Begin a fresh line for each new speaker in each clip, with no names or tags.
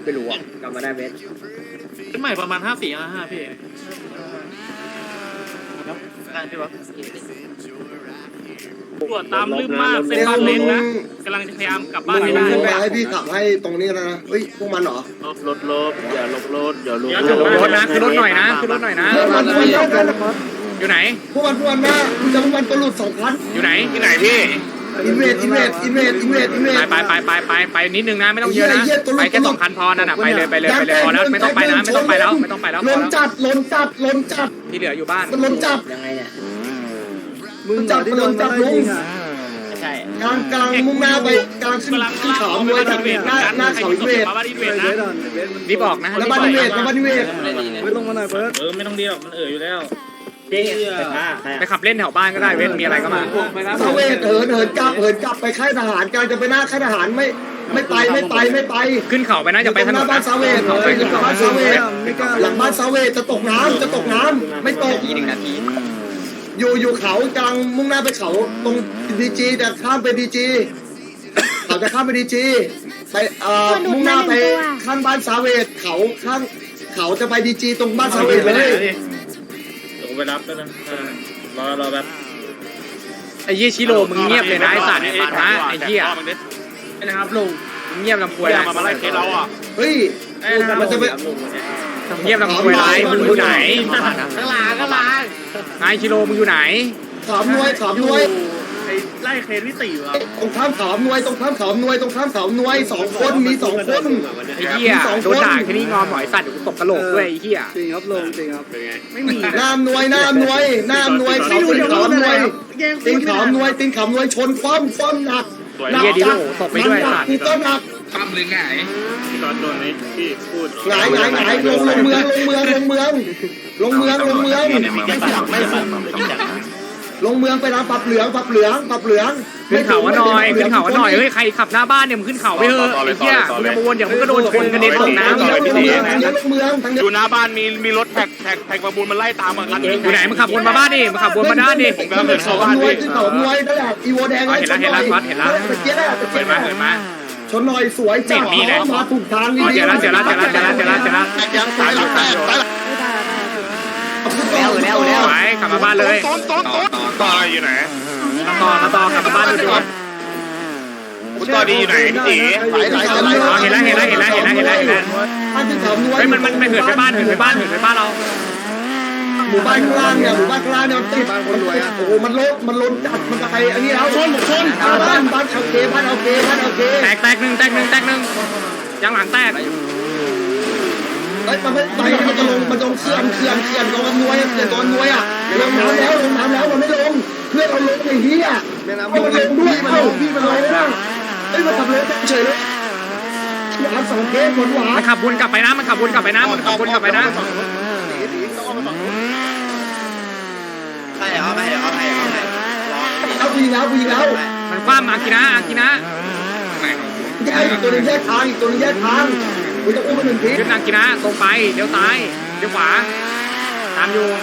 ไม่รู้อ่ะกลับมาได้เวท
เป็นใหม่ประมาณ5455พี่ครับได้พี่วะตรวจตามลืมมากเส้นบ้านเล็กนะกำลังจะพยายามกลับบ้านให้ได้
ขึ้นไปให้พี่ขับให้ตรงนี้นะเฮ้ยพวกมันเหรอ
ลบอย่าลบรถอย่าลบ
อย่าลบรถนะขึ้นรถหน่อยนะขึ้นรถหน่อยนะ
พวกมันเยอะกันนะครับ
อยู่ไหน
พวกมันนะคุณจะพวกมันตัวหลุด2 คัน
อยู่ไหนที่ไหนพี่
อินเวด
ไปนิดนึงนะไม่ต้องเยอะนะไปแค่2 คันพอนั่นน่ะไปเลยพอแล้วไม่ต้องไปแล้ว
ล้นจัด
ที่เหลืออยู่บ้าน
มันล้นจัด
ยังไงเนี่ย
มึงจัดมันล้นจัดลุง
ใช่
กลางมุ่งหน้าไปกลางขึ้นเขามวยจากหน้าเขาอินเวด
รีบบอกนะ
แล้วบ้านอินเวด
ไม่ลงมาหน่อยเบิร์ดไม่ต้องดีหรอกมันอยู่แล้ว
จริง
ไปขับเล่นแถวบ้านก็ได้เว้นมีอะไรก็มา
ซาเวดเหินกลับไปค่ายทหารกลางจะไปหน้าค่ายทหารไม่ไป
ขึ้นเขาไปนะจะไปถนน
บ้านซาเวดเลยอยู่บ้านซาเวดหลังบ้านซาเวดจะตกน้ำไม่ตก
1 นาที
อยู่เขากลางมุ่งหน้าไปเขาตรงดีจีแต่ข้ามไปดีจีเขาจะข้ามไปดีจีไปมุ่งหน้าไปข้างบ้านซาเวดเขาจะไปดีจีตรงบ้านซาเวดเลย
ไปรับแล้วนะรอแบบ
ไอ้ยี่ชิโร่มึงเงียบเลยนะไอ้สัตว์นะไอ้เหี้ยนะครับลุงเงียบลำพวยนะ
มาไล่เคสเราอ่ะ
เฮ้ยมันจะไป
เงียบลำพวยไรมึงอยู่ไหน
ข้างหลัง
นายชิโร่มึงอยู่ไหน
ขามนวย
ไล่เคสที่4อ่ะ
ตรงข้ามขามนวย2 คนมี2 คน
ไอ้เหี้ยโดนด่าแค่นี้งอหมอยสัตว์เดี๋ยวกูตบกระโหลกด้วยไอ้เหี้ย
จริงครับลงจริงครับไม่มี
น้ำนวยเขาตีนขามนวยตีนขามนวยชนคว่ำหนัก
เหี้ยดิโลตบไปด้วยสัตว์
กูก็หนัก
ทำหรือไงพี่ตอนโดนนี้พี่พูด
หงายลงเมืองลงเมืองไปร้านปรับเหลือง
ขึ้นเขาหน่อยเฮ้ยใครขับหน้าบ้านเนี่ยมึงขึ้นเขาไปเถอะไอ้เหี้ยมึงจะมาวนเดี๋ยวมึงก็โดนชนกระเด็นตกน้ำ
ทางเมือง
อยู่หน้าบ้านมีรถแท็กประมูลมันไล่ตามมาคันนึง
อยู่ไหนมึงขับวนมาบ้านดิมึงขับวนมาด้านดิ
ผมกำลังเดินเข้าบ้าน
ขึ้
พี่
นเขาหน่วยนั่นแหละอีโวแดง
เห็นแล้วเปิดมา
ชนหน่อยสวยจังมาถูกทางนี่
เจอแล้ว ไปขับมาบ้านเลย
ต้นต่ออยู่ไหน
ต่อขับมาบ้านดูก่อน
คุณต่อดีอยู่ไหนพี่ตี
เห็นแล้ว
บ้านขึ้นเขาหน่วย
เฮ้ยมันไปเหินไปบ้านเรา
หมู่บ้านข้างล่างเนี่ยมันติดโอ้โหมันล้นจัดมันไปอันนี้แล้วชนบ้านโอเค
แตกหนึ่งยังหลังแตก
เฮ้ยมันไม่ไปมันจะลงเขื่อนโดนนวยอ่ะลงน้ำแล้วมันไม่ลงเพื่อนเราลงไอ้เหี้ยมันลงด้วยพี่มันลงนะเฮ้ยมันขับรถเฉยเลย2 เคสหวาน
มันขับวนกลับไปนะ
เอาผู้หญิงแล้ว
มันคว้ามากินะ
อีกตัวนึงแยกทางกูจะอุ้มมัน1 ที
ขึ้นนางกินะตรงไปเลี้ยวซ้ายเลี้ยวขวาตามอยู่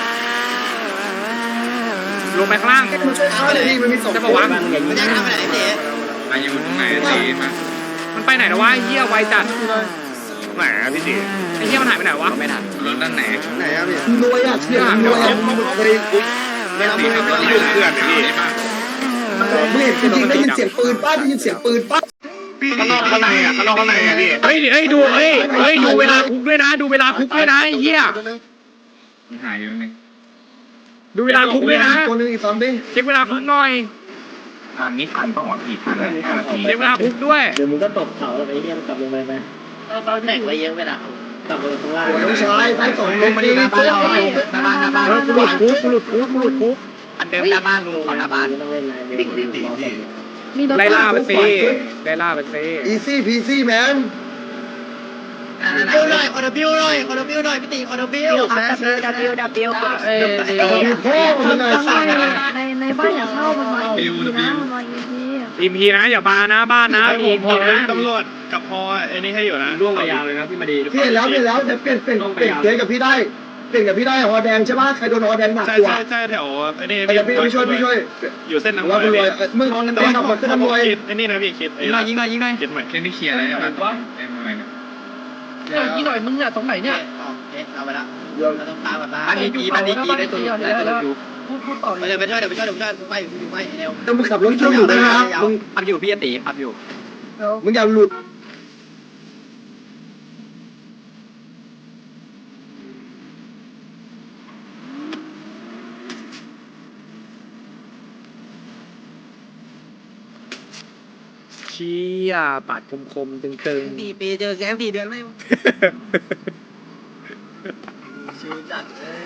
ลงไปข้างล่าง
มันช่วยเขาเลยพี่มันมี2
จะบอกว่า
มันจะทำอะไรเนี่ย
มาอยู่ตรงไหนตีมา
มันไปไหนแล้ววะเฮียไวจัด
ไหนพี่ตี
ไอ้เฮียมันหายไปไหนวะ
ไม่ทัน
รถด้านไหน
นวยอ่ะเชี่ยนวยอ่ะเคย
ไม่ตีครับอยู่เพื่อนพี่
เห็นจริงได้ยินเสียงปืนป้า
พี่ข้างนอกข้างในอ่ะพี่
เฮ้ยดูเวลาคุกด้วยนะไอ้เฮีย
หายอยู่นึง
ดูเวลาคุกด้วยนะ
ตัวนึงอีก2 ดิ
เช็คเวลาคุกหน่อย
ทางนี้ทันต้องหวังผิดทันนาที
เช็คเวลาคุกด้วย
เดี๋ยวมึงก็ตกเขาแล้วไอ้เหี้ยมันกลับลงไปไหมตอนแตกไว้เยอะไปละกลับลงข้างล่าง
น้องชายไปส่งลงมาดีนะ
หน้าบ้าน
กูหลุดคุก
อันเดิมหน้าบ้านลุงหน้าบ้านต้องเล่นอะไร
ไล่ล่าไปสิ
อีซี่พีซี่แมน
ขอดับหน่อยพี่ตีขอดับ
W
พ่อมันหน่อยสั่ง
ในบ้านอย่าเข้ามันมาอีพีนะมันมาอีพี
อีพีนะอย่ามานะบ้านนะอีพีนะ
ตำรวจกับพอไอ้นี่ให้อยู่นะ
ร่วงไปยาวเลยนะพี่มาดี
พี่เห็นแล้วจะเปลี่ยนเคสกับพี่ได้หอแดงใช่ป่ะใครโดนหอแดงหนักกว่า
ใช่แถวไอ้นี่
พี่ช่วย
อยู่เส้นน้ำ
ว่าคุณรวยมึงขับมาขึ้นน้ำรวย
ไอ้นี่นะพี่คิด
ยิงหน่อย
คิดใหม่แค่นี้เคลียร์อะไรบ้าง
กี่หน่อยมึงอะตรงไหนเนี่ยเอาไปละเราต้องตามแบบนั้นอันนี้กีได้ตัวอยู่พูดต่อเลยไปช่วยเดี๋ยวไปช่วยไปเร็ว
ต้องมึงขับรถช่วยอยู่นะครับมึง
พับอยู่พี่ตีพับอยู่
มึงอย่าหลุด
เชี่ยปาดคมๆตึง
4 ปีเจอแก๊ง4 เดือนไม่ชิวจัด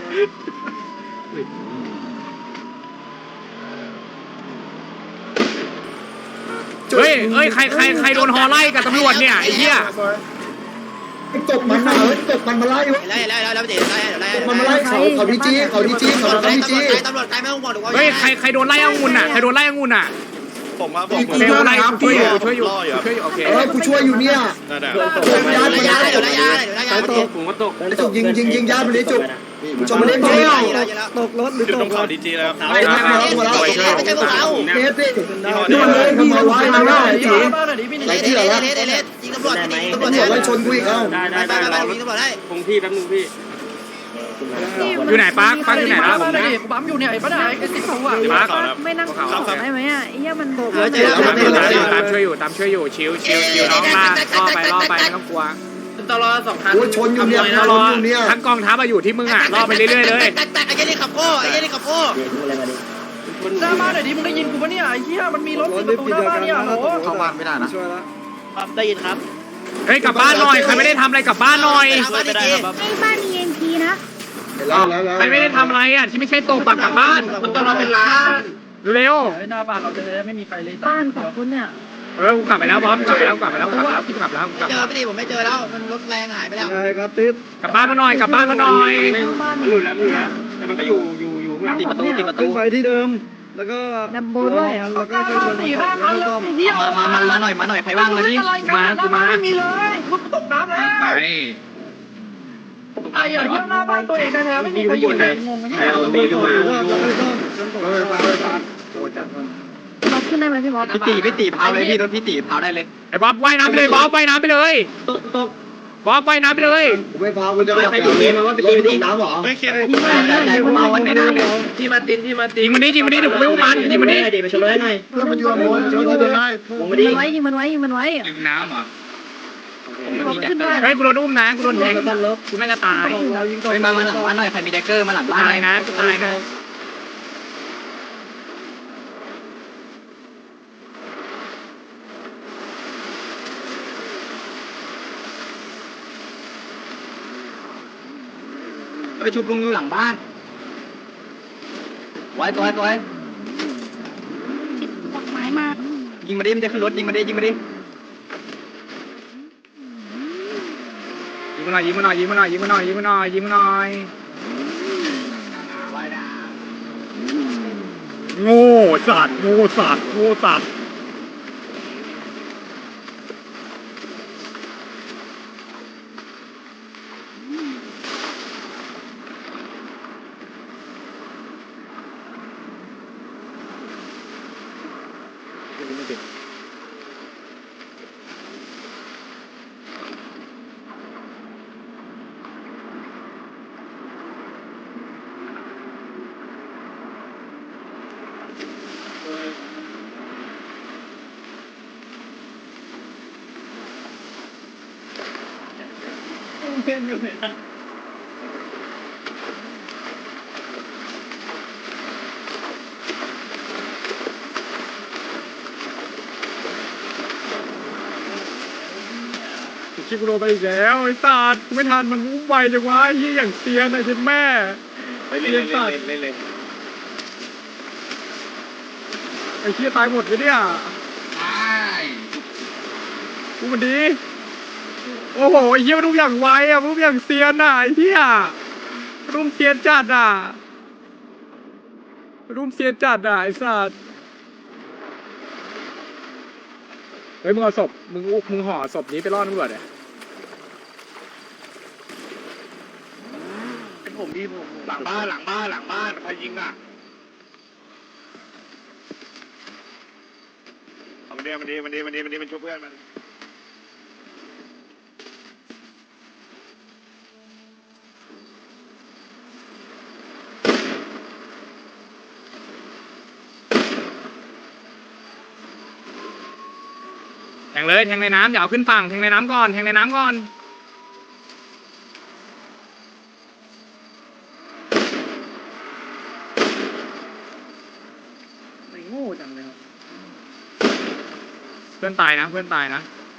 เฮ้ยใครโดนฮอไล่กับตำรวจเนี่ยไอ้เหี้ย
จบมันนะจบมันมาไล่
ไล่แล้วเดี๋ยวไล่
มันมาไล่เขาดีจีเขาดีจี
ตำรวจไกลไม่ต้องบอกหรอกว่า
เฮ้ยใครโดนไล่องุ่นอ่ะใครโดนไล่องุ่นอ่ะ
ผมครับผม
เบลไล่ช่วยอยู่โอเค
กูช่วยอยู่เนี่ย
ยาตก
ผมก็ตก
จุกยิงญาติมันเลยจุกจบมันเล่นเที่ยว
ตกรถหรือ
อยู่
ต
ตร
ก
งเขาดีจีแล้ว
ไม่ใช่พวกเรา
เนสสินี่มันเลยทำไมวะมันง่ายจีไรเที่ยวละ
ยิงตำรวจ
ตำรวจไล่ชนกูอีกเอ้า
ได้ยิงตำรวจได้
คงที่แป๊บนึงพี่อยู่ไหนปักอยู่ไหนแล้วผมนะ
ปั๊มอยู่เนี่ยไอ้ป้าไหนไอ้ติ๊กของว่ะ
ไม่นั่งขอได้ไหมอ่ะไอ้เหี้ยมันโดด
ตามช่วยอยู่ชิวน้องล่อไปไม่ต้องกลัว
ตลอด2 คัน
โอ้ยชนอยู่เนี่ยชนอยู่เนี่ย
ทั้งกองทัพมาอยู่ที่มึงอ่ะล่อไปเรื่อยๆเลย
แตกไอ้ยี่นี่ขับโก้หน้าบ้านไหนดิมึงได้ยินกูปะเนี่ยไอ้เหี้ยมันมีรถประตูหน้าบ้านเนี่ยโห
เข้าบ้านไม่ได้นะ
ช่วยละ
ได้ยินครับ
เฮ้ยกลับบ้านหน่อยใครไม่ได้ทำอะไรกลับบ้านหน่อย
ไม่ได้ครับ
ไอ้บ้านมีเอ็นพีนะ
ใครไม่ได้ทำอะไรอ่ะที่ไม่ใช่ตกปากกลับบ้าน
มันต้องเราเป็นล้าน
เร็ว
หน้าบ้านเราจะไม่มีใครเลย
บ้านของคุณเนี่ย
กูกลับไปแล้วบอสกลับไปแล้วพี่กลับแล้ว
เจอไม่ดีผมไม่เจอแล้วมันรถแรงหายไปแล้ว
ใช่ครับติด
กลับบ้านมาหน่อยกลับบ้านมาหน่อย
บ้าน
แต่มันก็อยู่ข้างหลัง
ติดประตู
ขึ้นไปที่เดิม แล้วก็
ดับโบด้วย
แล้วก็ค่อยๆลงมาแล้วก็
มาหน่อยใครว่างเลยพี่
กูมา
ไม่มีเลยคุณตกน้ำแล้ว
ไป
ไอ้อย่างที่หน้าบ้านตัวเองนะไม่มีใครอยู่เลยงงไหมเนี่ย
เราขึ้นได้ไหมพี่บอส
พี่ตีเผาเลยพี่รถพี่ตีเผาได้เลย
ไอ้บ๊อบว่ายน้ำไปเลยบ๊อบว่ายน้ำไปเลยบ๊อบว่ายน้ำไปเลย
กูไม่พากูจะไปดูนี่มันว่าไปตีน้ำหรอ
ไม่เครียด
เอาวันไหนได้เลยที่มาติน
ยิงมันดิเดี๋ยวกูไม่อุ้มมันยิงมันดิ
เดี๋ยวไปชมรถให้หน่อย
เพื่อนมันอยู่บนเจ้าที่เดินได้
วงมาดิ
ยิงมันไว้ยิงมันไว้
ยิงน้ำเหรอ
พี่บอสขึ้นได้
เฮ้ยกูโดนอุ้มนะกูโดนแทงกูไม่จะตาย
มาหลังบ้านหน่อยใครมีแดกเกอร์มาหลังบ้าน
ตายนะตายนะ
ไปชุบลุงอยู่หลังบ้านไว้
ดอกไม้มา
ยิงมาดิมันจะขึ้นรถยิงมาดิ
ยิงมันหน่อยโง่สัตว์ชิบุโรไปอีกแล้วไอ้สัตว์กูไม่ทันมันอุ้มไวจังวะไอ้เหี้ยอย่างเซียนไอ้เจ็ดแม่ไอ้เหี้ยตายหมดเลยเนี่ยกูมันดีโอ้โหไอ้เหี้ยมันอุ้มอย่างไวอ่ะมันอุ้มอย่างเซียนอ่ะไอ้เหี้ยมันอุ้มเซียนจัดอ่ะมันอุ้มเซียนจัดอ่ะไอ้สัตว์เฮ้ยมึงเอาศพมึงห่อศพนี้ไปล่อตำรวจเนี่ย
ผมดีผมหลังบ้านใครยิงอ่ะมันดีมันชุบเพื่อนมัน
งเลยแทงในน้ำอย่าเอาขึ้นฝั่งแทงในน้ำก่อนแทงในน้ำก่อนไม่โง่จังเลยเพื่อนตายนะเพื่อนตายนะ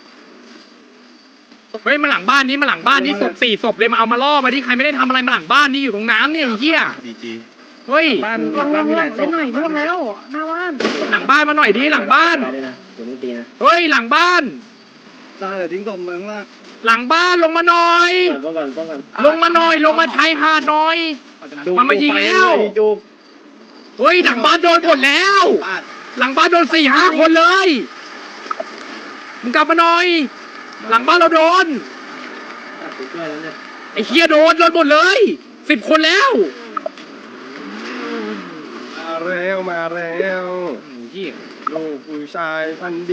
เฮ้ยมาหลังบ้านนี้มาหลังบ้านนี้ศพ4 ศพเลยมาเอามาล่อมาที่ใครไม่ได้ทำอะไรมาหลังบ้านนี่อยู่ตรงน้ำเนี่ยไอ้เหี้ยเฮ้ย
บ้าน
ลง
บ้านมีหลายศ
ไป
พ
หน่อยเพิ่มแล้วหน้าบ้าน
หลังบ้านมาหน่อยดิหลังบ้านเฮ้ยหลังบ้าน
ตายเดี๋ยวทิ้งศพเมืองล่าง
หลังบ้านลงมาหน่อยลงมาหน่อยลงมาชายหาดหน่อยมันมายิงแล้ว
จุก
เฮ้ยหลังบ้านโดนหมดแล้ว
บ้าน
หลังบ้านโดน4-5 คนเลยมึงกลับมาหน่อย หลังบ้านเราโดนไอ้เฮียโดนหมดเลย10 คนแล้ว
มาแล้วลูกผู้ชายพันดี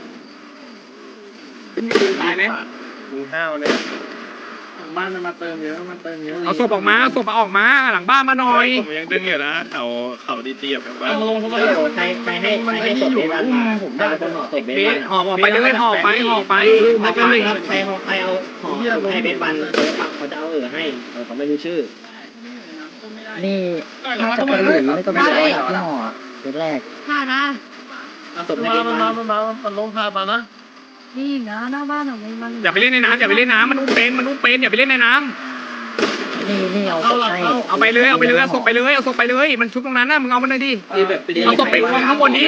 ตายไหม
กูห้าวเนี่ย
บ้านมันมาเติมเยอะมันเติมเยอะ
เอาศพออกมาเอาศพออกมาหลังบ้านมาหน่อย
ผมยังดึงอยู่นะเขาดีเตียบแบบว่า
ใครให้ศพเบสมาผมได้คนห่อศพเบส
เบสห่อไปเลยห่อไปห่อไปห่อไป
ครับใครเอาห่อให้เบสวันเขาจะเอาให้เขาไม่รู้ชื่อ
นี่น่าจะเป็นหลุยไม่ก็ไม่ได้ที่หอเป็นแรก
ค่ะนะ
เอาศพให้เบสวัน
ลงพามานะ
นี่นะหน้าบ้านของมัน
อย่าไปเล่นในน้ำอย่าไปเล่นน้ำมันอุ้มเป็นอย่าไปเล่นในน้ำ
นี่เอาให้
เอาไปเลยเอาศพไปเลยเอาศพไปเลยมันชุบตรงนั้นนะมึงเอามันเลยดิเอาศพไปวางข้างบนนี้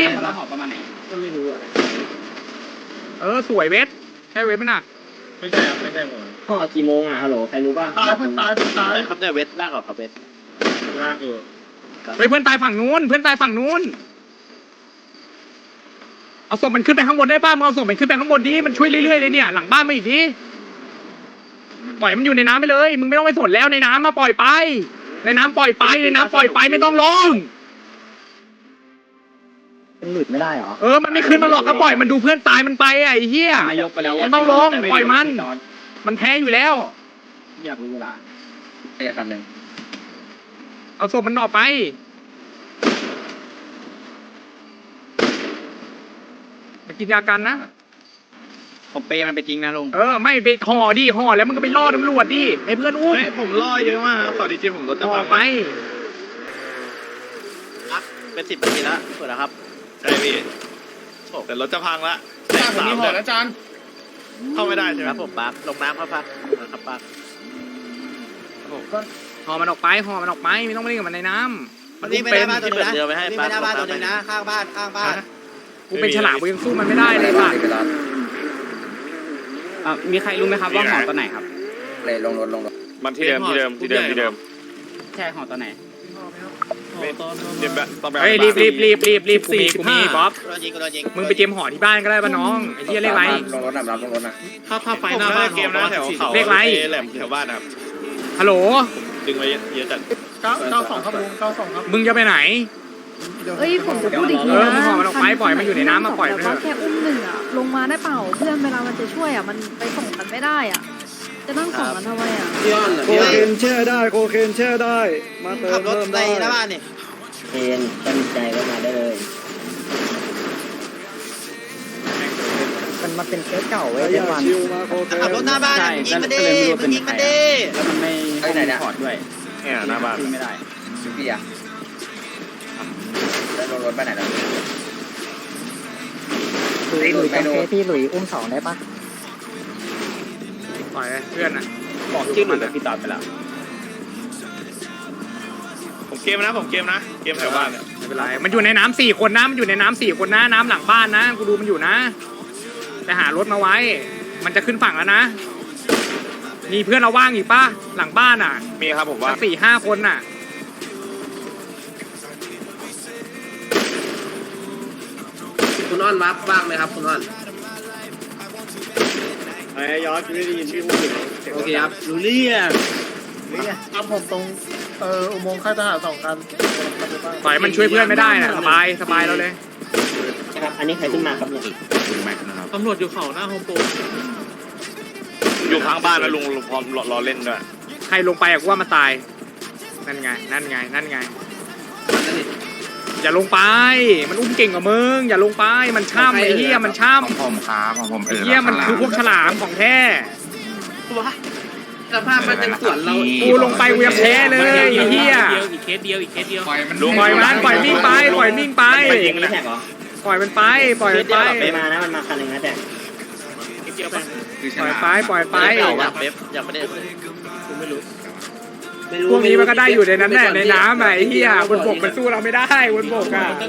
สวยเวทใช่เวทไหมน่ะ
ไม่ใช่ครับไม่ใช่หมด
ห่อกี่โมงอ่ะฮัลโหลใครรู้ป่ะ
ตาย
ครับเนี่ยเวทลากออกครับเวท
ลากอยู่
เฮ้ยเพื่อนตายฝั่งนู้นเอาศพมันขึ้นไปข้างบนได้ป่ะมึงเอาศพมันขึ้นไปข้างบนดิมันช่วยเรื่อยๆเลยเนี่ยหลังบ้านมาอีกดิปล่อยมันอยู่ในน้ำไปเลยมึงไม่ต้องไปสนแล้วในน้ำมาปล่อยไปในน้ำปล่อยไปไม่ต้องลง
เป็นหลุดไม่ได้เหรอ
มันไม่ขึ้นมาหรอกก็ปล่อยมันดูเพื่อนตายมันไปไอ้เหี้ยมันต้องลงปล่อยมันแพ้อยู่แล้ว
อยากรู้เวลา
ไอ้คันหนึ่ง
เอาศพมันออกไปไปกินยากันนะ
ผมเปย์มันไปจริงนะลุง
ไม่ไปห่อแล้วมึงก็ไปล่อตำรวจดิให้เพื่อนอุ้ม
ผมล่อเยอะมากขอดีเจผมลด
ห่อไป
เป็น10 นาทีแล้วเปิดแล้วครับ
ใช่พี่แต่รถจะพังละผมมีหอดอาจารย์เข้าไม่ได้ใช่ไหม
ครับผมบักลงน้ำครับครับบัก
ห่อมันออกไปไม่ต้องไปเล่นกับมันในน้ำ
มันวิ่งไม่ได้บ้านตัวนึงนะวิ่งไม่ได้บ้านตัวนึงนะข้างบ้าน
กูเป็นฉลามกูยังสู้มันไม่ได้เลยป่ะ
มีใครรู้ไหมครับว่าหอตัวไหนครับ
เลยลงรถ
มันที่เดิม
ใช่หอตัวไหน
เดี๋ยวต้องไป
เฮ้ยรีบกูมีบ๊อบ
โดนยิง
มึงไปเตรียมห่อที่บ้านก็ได้ป่ะน้องไอ้เหี้ยเลขไร
ลงรถนะ
ถ้าไฟหน้าบ้านเกมนะแถวเขา
เลขไร
แหลมแถวบ้านครับ
ฮัลโหล
ดึงไว้เยอะจัด
92ครับลุง92ครับ
มึงจะไปไหน
เอ้ยผมจะพูดอีกที
มึงห่อมันออกไปปล่อยมันอยู่ในน้ำมาปล่อยมัน
แต่
เถ
ว่า
อะ
แค่อุ้มหนึ่งอะลงมาได้เปล่าเพื่อนเวลามันจะช่วยอะมันไปส่งกันไม่ได้อะจะนั่งส่งกันทำไมอะ
โคเคนแช่ได้โคเคนแช่ได้มาเติ
ขั
ม
บรถ
เพิ่ม
ใน
ได้
หน้าบ้านนี่
เคนตั้งใจก็มาได้เลยมันเป็นเคสเก่าเว้ย
อ
เมื่
ย่า
อวาน
ชิวมาโคเคน
ขับรถหน้าบ้านยิงมันดิยิงมันดิ
แล้วมันไม่ถอดด้วย
เนี่ยหน้าบ้าน
ไม่ได้
พี่อะได้ลงรถไปไหนแล้ว
หลุยเป็นเคสที่หลุยอุ้ม2ได้ปะ
ปล่อยเพื่อนน่ะ
บอกชื่อหลุยกับพี่ตอดไปแล้ว
ผมเกมนะเกมแถวบ้านเนี่ย
ไม่เป็นไรมันอยู่ในน้ำ4 คนนะมันอยู่ในน้ำ4 คนนะน้ำหลังบ้านนะกูดูมันอยู่นะไปหารถมาไว้ มันจะขึ้นฝั่งแล้วนะมีเพื่อนเราว่างอีกป่ะหลังบ้านอ่ะ
มีครับผมว่า
4-5 คนน่ะ
คุณอ้อนวับว่างไหมครับคุณอ้อน
ไอ้ยอดไม่ได้ยินชื่อพูด
โอเคครับรู้เรื่อง
ตามผมตรงอุโมงค์ค่ายทหาร2 คัน
ปล่อยมันช่วยเพื่อนไม่ได้น่ะสบายเราเลย
ครับอันนี้ใครขึ้นมาครับเนี่ย
ตำรวจอยู่เขาหน้าโฮมโปร
อยู่ข้างบ้านนะลุงพร้อมรอเล่นด้วย
ใครลงไปอะกูว่ามันตายนั่นไงอย่าลงไปมันอุ้มเก่งกว่ามึงอย่าลงไปมันช่ำไอ้เหี้ยมันช่ำ
ผมครับผม
ไอ้เหี้ยมันคือพวกฉลามของแท้
สภาพมันจะสวนเรา
กูลงไปกูยังแพ้เลยไอ้เหี้ย
อีกเคสเดียว
ปล่อยมันปล่อยมิ่งไปปล่อยมิ่งไป
ยิงนะแท็กเหรอ
ปล่อยมันไปปล่อยมันไป
มานะมันมาคันหนึ่งนะแท็ก
ปล่อยไปปล่อยไป
เป๊ปยังไม่ได้กูไม่รู้
พวกนี้มันก็ได้อยู่ในนั้นแหละในน้ำไอ้เหี้ยบนบกมันสู้เราไม่ได้บนบกอ่ะ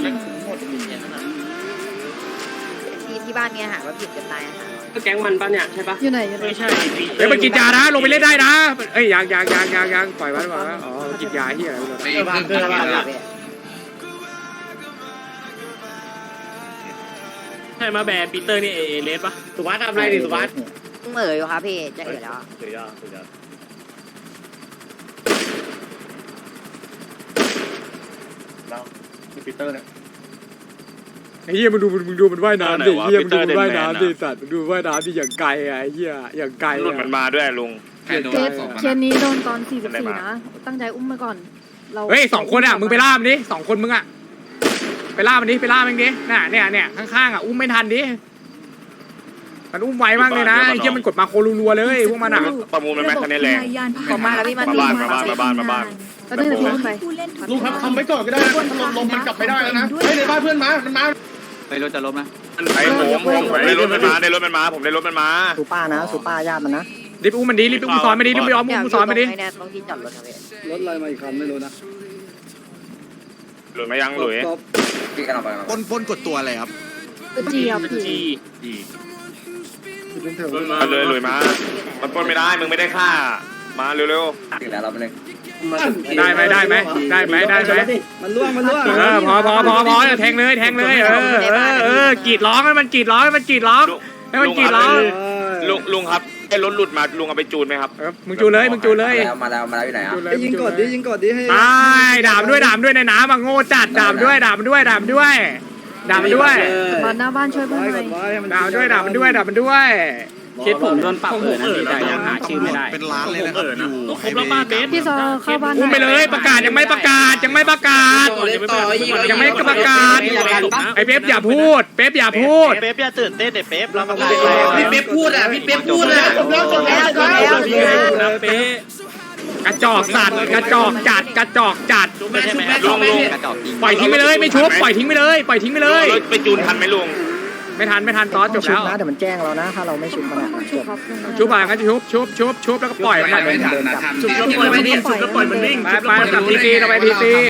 ที่บ้านเนี่ยหาว่าผิดกันตายค่ะ
แก๊งมันปะเนี่ยใช่ปะ
อยู่ไหนอยู่ไหน
ไม่ใช่
เฮ้ยมันกินยานะลงไปเล่นได้นะเอ้ยยังปล่อยมันปล่อยมันอ๋อกินยาเหี้ยอะไร
ใช่มาแบร์ปีเตอร์นี่เอเลสปะสุวัสดิ์ทำอะไรดิสุวัสดิ์
เหม่ออยู่ครับพี่จะเอ๋แล้ว
สุดยอด
ปีเตอร์เนี่ย
ไอ้เหี้ยมึงดูมันว่ายน้ำดิเหี้ยมึงดูมันว่ายน้ำดิสัตว์มึงดูว่ายน้ำดิอย่างไกลอ่ะไอ้เหี้ยอย่างไกล
หลุดมันมาด้วยลุง
เคสนี้โดนตอน44นะตั้งใจอุ้มมาก่อนเรา
เฮ้ย2คนอ่ะมึงไปล่ามันดิ2คนมึงอ่ะไปล่ามันดิไปล่ามันดิน่ะเนี่ยข้างๆอ่ะอุ้มไม่ทันดิมันอุ้มไวมากเลยนะไอ้เหี้ยมันกดมาโครัวๆเลยพวกมันอ่ะ
ประมูลมันแม็กคันนี้แรง
ขอมาแล้วพี่มา
มาบ้าน
แล้วเดินขึ้นไป
ลุงครับทำไว้ก่อนก็ได้นะถ้าลมมันกลับไม่ได้แล้วนะเฮ้ยในบ้านเพื่อนมามันมา
ไอ้ผมได้รถมันมาผมได้รถมันมา
สูป้านะสูป้าญาติมันนะ
รีบอุ้มมันดิรีบอุ้มซ้อนมาดิรีบไปอ้อมอุ้มซ้อนมาดิ
ต้องที่จอดรถครับพี่
รถอะไรมาอีกคันไม่รู้นะ
หลุดมายังหลุย
ปนกดตัวอะไรครับ
จีครับพี่
มาเลยหลุยมามันปล้นไม่ได้มึงไม่ได้ฆ่ามาเร็ว
ได้ไหม
มันล่วง
พอแทงเลยกรีดร้องให้มันกรีดร้อง
ลุงครับไอ้รถหลุดมาลุงเอาไปจูนไหมครับ
มึงจูเลยมาแล้วอยู่ไหนอ่ะยิงกดดิให้ด่าด้วยในน้ำอ่ะโง่จัดด่าด้วย
มาหน้าบ้านช่วยเพื่อนหน่อย
ด่ามันด้วยคิดผมโดนปรับนะพี่แต่ยังหาชื่อไม่ได้
เป็นล้านเลยนะครับอยู่
ครบแล้วป้าเบส
พี่ซอเข้าบ้าน
อุ้มไปเลยประกาศยังไม่ประกาศไอ้เป๊ปอย่าพูดเป๊ปอย่าตื่นเต้นเป๊ปเราประกาศ
พี่เป๊ปพูดอ่ะ
กระจอกสัตว์กระจอกจัด
ลุง
ปล่อยทิ้งไปเลยไม่ชุบปล่อยทิ้งไปเลย
ไปจูนทันไหมลุง
ไม่ทันตอนจบ
ชุ
แล้
บ
ว
นะเดี๋ยวมันแจ้งเรานะถ้าเราไม่ชุบมันอ่ะจบ
ชุบไปงั้นชุบแล้วก็ปล่อยมัน
เดินกลับ
ไปจับทีซีเราไปทีซี